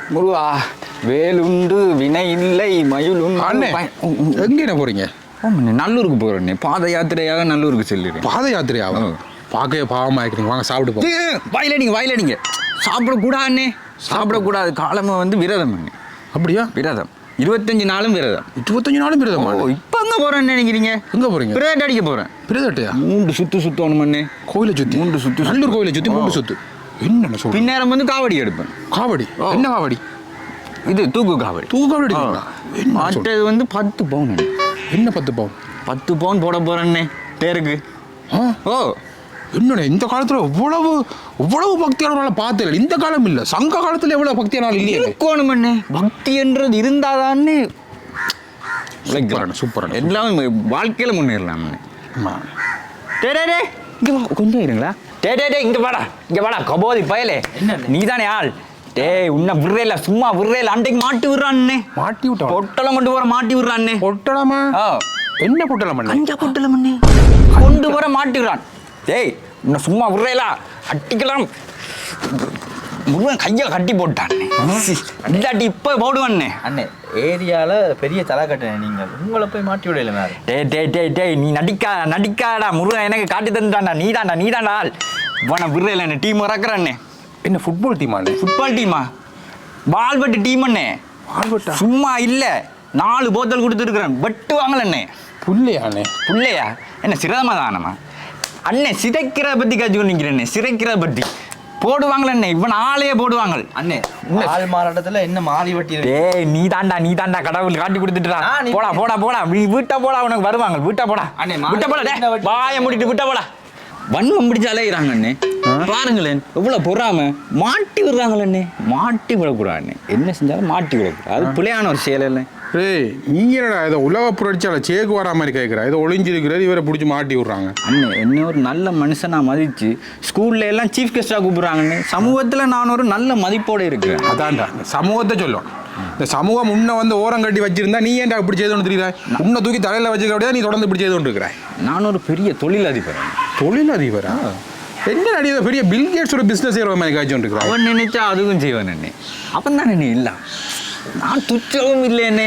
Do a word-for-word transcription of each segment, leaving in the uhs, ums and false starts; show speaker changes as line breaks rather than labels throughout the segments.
முருகா வேலுண்டு வினை இல்லை மயில் உண்டு.
எங்கே என்ன போறீங்க?
நல்லூருக்கு போறேன். பாத யாத்திரையாக நல்லூருக்கு செல்லுறேன்.
பாத யாத்திரையாக பார்க்கவே பாவமாக இருக்கிறீங்க. வாங்க சாப்பிட்டு போங்க.
வாயிலடிங்க வாயிலடிங்க. சாப்பிடக்கூடாதுண்ணே, சாப்பிடக்கூடாது. காலமா வந்து விரதம்.
அப்படியா?
விரதம் இருபத்தஞ்சு நாளும் விரதம்.
இருபத்தஞ்சு நாளும் விரதம்.
இப்போ எங்கே போகிறேன்னு நினைக்கிறீங்க? எங்கே போகிறீங்க? பிரதட் அடிக்க போகிறேன்.
பிரதட்டையா?
மூன்று சுற்று சுற்றணுமண்ணே.
கோயிலை சுற்றி மூன்று சுற்று. நல்லூர் கோயிலை சுற்றி மூன்று சுற்று. என்னென்ன சொல்.
பின்னேரம் வந்து காவடி எடுப்பேன்.
காவடி? என்ன காவடி?
இது தூக்கு காவடி.
தூக்கு காவடி எடுப்பீங்களா?
மற்றது வந்து பத்து பவுன்.
என்ன பத்து பவுன்?
பத்து பவுன் போட போகிறேன்னே தேருக்கு. ஓ
என்னண்ணே இந்த காலத்தில் இவ்வளவு இவ்வளவு பக்தியானவனால பார்த்தே. இந்த காலம் இல்லை, சங்க காலத்தில் எவ்வளவு பக்தியானால் இல்லையே.
இருக்கணுமண்ணே. பக்தி என்றது இருந்தாதானே
சூப்பரான
எல்லாமே வாழ்க்கையில் முன்னேறலாம். டே டே டே இங்கே வா கொஞ்சம் இருங்களா. டே டே டே இங்கே வாடா இங்கே வாடா கபோதி பயலே. நீ தானே ஆள்? டேய் உன்னை விடுறேல, சும்மா விடுறேல. அன்றைக்கு மாட்டி விடுறான்னே.
மாட்டி விட்டா?
பொட்டலம் கொண்டு போற மாட்டி விடுறான்னே.
பொட்டலமா? என்ன பொட்டலம்?
கஞ்சா பொட்டலம் கொண்டு போற மாட்டி விடுறான். டேய் உன்னை சும்மா விடுறேலா, அட்டிக்கலாம். முருகன் கையை கட்டி போட்டான். இல்லாட்டி இப்போ போடுவானே.
அண்ணே ஏரியாவில் பெரிய தலை கட்டினேன். நீங்கள் உங்களை போய் மாட்டி விடல மேலே.
டே டே டே டே நீ நடிக்கா நடிக்காடா. முருகன் எனக்கு காட்டி தந்துட்டான்டா. நீ தாண்டா நீ தாண்டா ஆள். உன விடுறேல என்ன டீம் இறக்குறானே.
என்ன ஃபுட்பால் டீமா?
ஃபுட்பால் டீமா? பால்பட்டு டீம் அண்ணே.
பால்பட்டா?
சும்மா இல்லை, நாலு போத்தல் கொடுத்துருக்குறேன். பட்டு வாங்கலண்ணே.
புள்ளையாண்ணே?
புள்ளையா? என்ன சிரதமா தானம்மா அண்ணே? சிதைக்கிறத பற்றி காய்ச்சி நிற்கிறேண்ணே. சிதைக்கிறத பற்றி போடுவாங்களே. இவன் ஆளையே போடுவாங்க
அண்ணே. ஆள் மாறாட்டத்தில் என்ன மாறி வட்டி?
டேய் நீ தாண்டா நீ தாண்டா கடவுள் காட்டி கொடுத்துட்டா. போடா போடா போடா நீ வீட்டா போடா. உனக்கு வருவாங்க. வீட்டா போடா. அண்ணே வீட்டா போடா. டே வாயை மூடிட்டு வீட்டா போடா. வன்மம் பிடிச்சு அலையிறாங்க அண்ணே. பாருங்களேன் எவ்வளோ பொறாம. மாட்டி விடுறாங்களே. மாட்டி விடக்கூடாது. என்ன செஞ்சாலும் மாட்டி விடக்கூடாது. அது பிள்ளையான ஒரு செயல் இல்லை.
ஏய் நீ என்னடா இதை உலக புரட்சியால் சேக்கு வரா மாதிரி கேட்குறா? இதை ஒளிஞ்சிருக்கிறது இவரை பிடிச்சி மாட்டி விட்றாங்க.
அண்ணே என்ன ஒரு நல்ல மனுஷனாக மதித்து ஸ்கூலில் எல்லாம் சீஃப் கெஸ்ட்டாக கூப்பிட்றாங்கண்ணே. சமூகத்தில் நான் ஒரு நல்ல மதிப்போடு இருக்கிறேன்.
அதான்டா சமூகத்தை சொல்லும். இந்த சமூகம் உன்னை வந்து ஓரம் கட்டி வச்சிருந்தா நீ ஏன்டா இப்படி செய்து கொண்டு தெரியுதா? உன்னை தூக்கி தலையில் வச்சுக்க அப்படியே நீ தொடர்ந்து இப்படி செய்து கொண்டு இருக்கிறாய்.
நான் ஒரு பெரிய தொழிலதிபர்.
தொழிலதிபரா? என்ன நடிகை பெரிய பில் கேட்ஸோட பிஸ்னஸ் செய்கிற மாதிரி காய்ச்சி கொண்டு இருக்கிறான்.
அவன் நினைச்சா அதுவும் செய்வான் அண்ணே. அவன் தானே நீ இல்லை. நான் துச்சவும் இல்லை அண்ணே.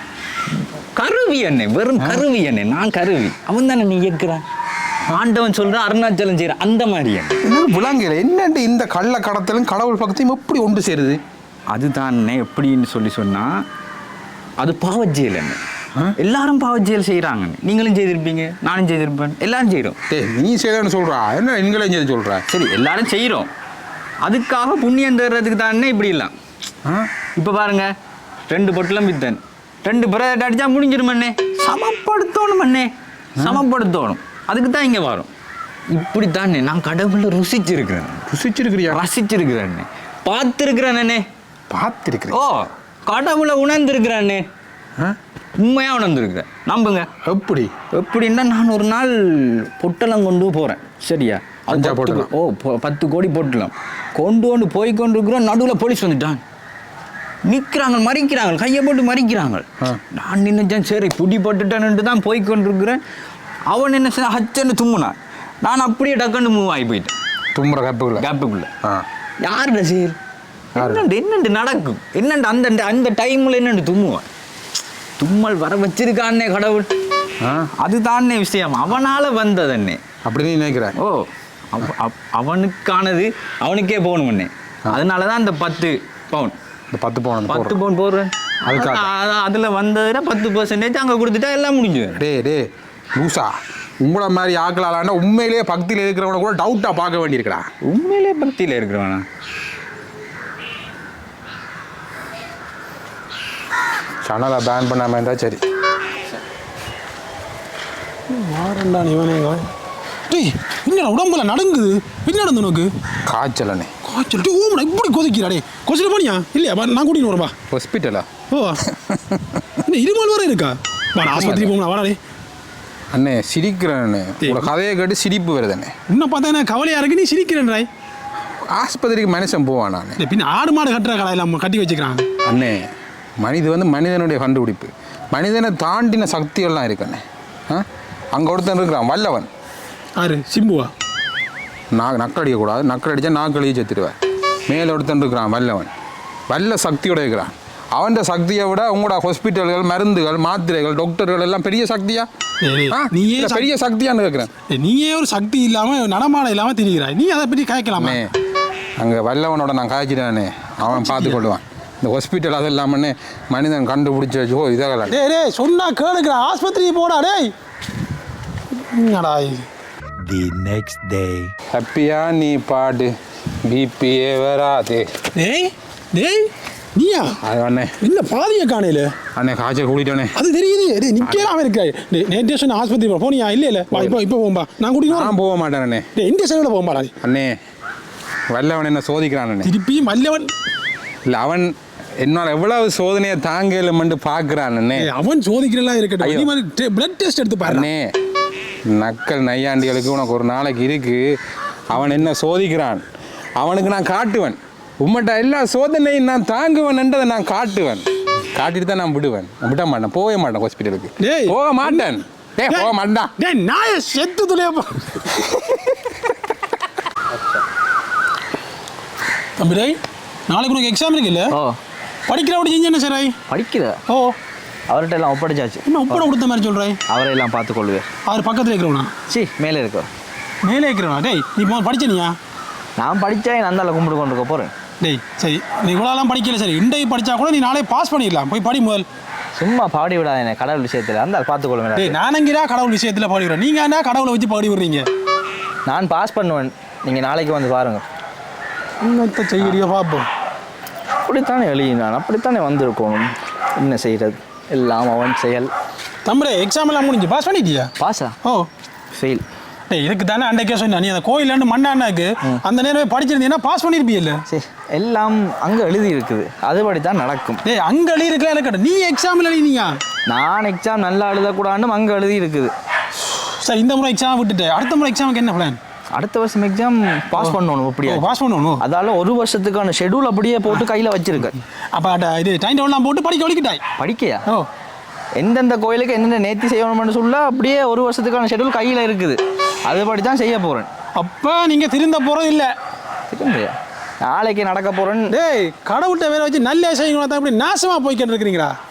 கருவி அண்ணே, வெறும் கருவி அண்ணே. நான் கருவி, அவன் தானே நீ இயக்குறான். ஆண்டவன் சொல்கிறான் அருணாச்சலம் செய்கிறான். அந்த மாதிரி
என்ன விளங்கல. என்னண்டு இந்த கள்ள கடத்தலும் கடவுள் பக்கத்தையும் எப்படி ஒன்று சேருது?
அதுதான் எப்படின்னு சொல்லி சொன்னால் அது பாவச்செயல் அண்ணே. எல்லாரும் பாவச்செயல் செய்கிறாங்க. நீங்களும் செய்திருப்பீங்க, நானும் செய்திருப்பேன், எல்லாரும் செய்கிறோம்.
ஏ நீ செய்யறன்னு சொல்கிறா என்ன? நீங்களும் செய்து சொல்கிறா?
சரி எல்லாரும் செய்கிறோம். அதுக்காக புண்ணியம் தர்றதுக்கு தானே இப்படி இல்லை. இப்போ பாருங்க, ரெண்டு பொட்டலம் வித்தன், ரெண்டு பிரதட் அடித்தா முடிஞ்சிருமண்ணே. சமப்படுத்தணும் அண்ணே, சமப்படுத்தணும். அதுக்கு தான் இங்கே வரும். இப்படி தானே நான் கடவுளை ருசிச்சிருக்கிறேன்.
ருசிச்சிருக்கிறியா?
ரசிச்சிருக்கிறேன் அண்ணே. பார்த்துருக்கிறேன் அண்ணே.
பார்த்துருக்கிறேன்?
ஓ கடவுளை உணர்ந்துருக்கிறேன் அண்ணே. உண்மையாக உணர்ந்துருக்கிறேன். நம்புங்க.
எப்படி?
எப்படின்னா நான் ஒரு நாள் பொட்டலம் கொண்டு போகிறேன். சரியா?
அஞ்சா போட்டலாம்.
ஓ பத்து கோடி போட்டலாம் கொண்டு கொண்டு போய் கொண்டு இருக்கிறோம். நடுவில் போலீஸ் வந்துட்டான். நிற்கிறாங்க, மறிக்கிறாங்க, கையை போட்டு மறிக்கிறாங்க. நான் நினைச்சேன் சரி புடி போட்டுட்டேன்ட்டு தான் போய் கொண்டிருக்கிறேன். அவன் என்ன செய்ய ஹச்சன்னு தும்முனான். நான் அப்படியே டக்குன்னு மூவ் ஆகி போயிட்டேன்.
தும்முற கேப்புக்குள்ள
கேப்புக்குள்ள யாருட செயல்? என்னண்டு என்னண்டு நடக்கும்? என்னண்டு அந்த அந்த டைமில் என்னண்டு தும்முவான். தும்மல் வர வச்சிருக்கான்னே கடவுள். அதுதானே விஷயம். அவனால் வந்ததண்ணே.
அப்படி நீ நினைக்கிறேன்?
ஓ அவனுக்கானது அவனுக்கே போகணும்ண்ணே. அதனால தான் அந்த பத்து பவுன்
இந்த பத்து பவுன்
பத்து பவுன் போடுறேன். அதுக்காக அதில் வந்ததுன்னா பத்து பர்சன்டேஜ் அங்கே கொடுத்துட்டா எல்லாம் முடிஞ்சு.
டே டே லூசா, உங்களை மாதிரி ஆக்கலாம்னா உண்மையிலேயே பக்தியில் இருக்கிறவனை கூட டவுட்டாக பார்க்க வேண்டியிருக்கா.
உண்மையிலே பக்தியில் இருக்கிறவனா?
சேனலை பேன் பண்ணாமல் இருந்தால் சரி.
வாரண்டா இவனேங்க. டேய் என்னடா உடம்புல நடுங்குது? என்ன நடந்து உனக்கு?
காய்ச்சலண்ணே.
காய்ச்சல்? டே ஓமடா இப்படி கொதிக்கிறாடே. கொதிச்சிட்டு போனியா? இல்லையா நான் கூட்டின்னு வரப்பா.
ஹாஸ்பிட்டலா? ஓ
என்ன இருமல் வர இருக்கா? வாடா ஆஸ்பத்திரி போகணும். வாடாடே.
அண்ணே சிரிக்கிறேன்னு உங்களோட கதையை கேட்டு சிரிப்பு வருதுண்ணே.
இன்னும் பார்த்தா என்ன கவலையாக இருக்கு, நீ சிரிக்கிறேன்றாய்.
ஆஸ்பத்திரிக்கு மனுஷன் போவான். நான்
பின்ன ஆடு மாடு கட்டுற கடையில் கட்டி வச்சுக்கிறான்.
அண்ணே மனித வந்து மனிதனுடைய கண்டுபிடிப்பு. மனிதனை தாண்டின சக்தியெல்லாம் இருக்குண்ணே. ஆ அங்கே ஒருத்தன் இருக்கிறான் வல்லவன்.
ஆறு சிம்புவா?
நான் நக்கடிக்கக்கூடாது, நக்கல் அடித்தா நாக்களியே செத்துடுவேன். மேலே ஒருத்தன் இருக்கிறான் வல்லவன். வல்ல சக்தியோட இருக்கிறான். அவன் சக்தியை விட உங்களோட ஹாஸ்பிட்டல்கள் மருந்துகள் மாத்திரைகள் டாக்டர்கள் எல்லாம் பெரிய சக்தியா?
நீயே
பெரிய சக்தியான்னு கேட்குறேன்.
நீயே ஒரு சக்தி இல்லாம நடமாட இல்லாம திரிகிறாய், நீ அதை பற்றி காய்க்கலாமே.
அங்கே வல்லவனோட நான் காய்ச்சிட்டானே, அவன் பார்த்து கொள்வான். இந்த ஹாஸ்பிட்டல் அது இல்லாமன்னே மனிதன் கண்டுபிடிச்சி வச்சோ இதெல்லாம்
டே டே சொன்னா கேளுக்கிற ஆஸ்பத்திரி போடா டேய். என்னடா இது?
The next day.
ஹாப்பியா நீ பாடு பிபிஏ வராது.
டேய் டேய் நீயா?
அது அண்ணே
என்ன பாதிய காணையில
அண்ணே காய்ச்சல் கூட்டிட்டோன்னே.
அது தெரியுது. டேய் நிக்கலாம இருக்காய். டேய் நேற்று சொன்ன ஆஸ்பத்திரி போனியா? இல்ல இல்ல வா இப்போ இப்போ போம்பா, நான் கூட்டிட்டு
நான் போக மாட்டேன் அண்ணே.
டேய் இந்த சைடுல போம்பா
அண்ணே. வல்லவன் என்ன சோதிக்கிறான் அண்ணே.
திருப்பி மல்லவன்
இல்லை அவன் என்னால் எவ்வளவு சோதனையை தாங்கலுமென்று பார்க்குறான் அண்ணே.
அவன் சோதிக்கிறலாம் இருக்கட்டும், நீ மாதிரி பிளட் டெஸ்ட் எடுத்து பாரு
அண்ணே. நக்கல் நையாண்டிகளுக்கு உனக்கு ஒரு நாளைக்கு இருக்கு. அவன் என்ன சோதிக்கிறான் அவனுக்கு நான் காட்டுவேன். உம்மட்ட எல்லா சோதனையும் நான் தாங்குவேன்ன்றதை நான் காட்டுவேன். காட்டிட்டு தான் நான் விடுவேன். நான் விட மாட்டேன், போக மாட்டேன் ஹாஸ்பிட்டலுக்கு. போக மாட்டேன். டேய் போக மாட்டேன்.
டேய் நாய செத்து துளையப்பா. தம்பி டேய் நாளைக்கு உனக்கு எக்ஸாம் இருக்குல்ல?
ஓ
படிக்கிற அப்படி செஞ்சு என்ன சார்
படிக்கிற?
ஓ
அவர்கிட்ட எல்லாம் ஒப்படைச்சாச்சு.
என்ன ஒப்படை கொடுத்த மாதிரி சொல்கிறேன்?
அவரை எல்லாம் பார்த்துக்கொள்வேன்.
அவர் பக்கத்தில் இருக்கிறவனா?
சி மேலே இருக்க.
மேலே இருக்கிறவனா? டேய் நீ போ படிச்சனியா?
நான் படித்தேன், நான் தான் கும்பிட்டு கொண்டு இருக்க போகிறேன்.
டேய் சரி நீ இவ்வளோலாம் படிக்கல, சரி இன்றைக்கு படித்தா கூட நீ நாளே பாஸ் பண்ணிடலாம். போய் படி முதல்.
சும்மா பாடி விடாத என்ன கடவுள் விஷயத்தில், அந்த பார்த்துக்கொள்வேன்.
டேய் நானங்கிறா கடவுள் விஷயத்தில் பாடி விடுறேன், நீங்கள் என்ன கடவுளை வச்சு பாடி விடுறீங்க?
நான் பாஸ் பண்ணுவேன், நீங்கள் நாளைக்கு வந்து பாருங்கள்.
இன்னத்தை செய்யறியோ பார்ப்போம்.
அப்படித்தானே எழுதினான், அப்படித்தானே வந்திருக்கணும். என்ன செய்கிறது, எல்லாம் அவன் செயல்.
தம்பரே எக்ஸாம் எல்லாம் முடிஞ்சு பாஸ் பண்ணிட்டியா?
பாஸா?
ஓ
ஃபெயில்.
டேய் இதுக்கு தானே அன்றைக்கே சொன்ன, நீ அந்த கோயிலாண்டு மண்ணாண்டாக்கு அந்த நேரமே படிச்சிருந்தீங்கன்னா பாஸ் பண்ணியிருப்பியல்ல?
சரி எல்லாம் அங்கே எழுதி இருக்குது, அதுபடி தான் நடக்கும்.
டேய் அங்கே எழுதி இருக்கலாம் எனக்கு, நீ எக்ஸாமில் எழுதினியா?
நான் எக்ஸாம் நல்லா எழுதக்கூடாதுன்னு அங்கே எழுதி இருக்குது.
சார் இந்த முறை எக்ஸாம் விட்டுட்டு அடுத்த முறை எக்ஸாமுக்கு என்ன பிளான்?
அடுத்த வருஷம் எக்ஸாம் பாஸ் பண்ணணும். அப்படியே
பாஸ் பண்ணணும்.
அதால ஒரு வருஷத்துக்கான ஷெடியூல் அப்படியே போட்டு கையில் வச்சிருக்கேன்.
அப்போ இது டைம் டேபிள்லாம் போட்டு படிக்க வலிக்கிட்டாய்?
படிக்கையா?
ஓ
எந்தெந்த கோயிலுக்கு என்னென்ன நேர்த்தி செய்யணும்னு சொல்ல அப்படியே ஒரு வருஷத்துக்கான ஷெடியூல் கையில் இருக்குது, அதுபடி தான் செய்ய போகிறேன்.
அப்போ நீங்கள் திருந்த போகிறது இல்லை?
திருந்தையா? நாளைக்கு நடக்க போகிறேன்னு.
டேய் கடவுள்கிட்ட வேற வச்சு நல்ல செய்யுங்களா தான் இப்படி நாசமாக போய்கிட்டு இருக்கிறீங்களா?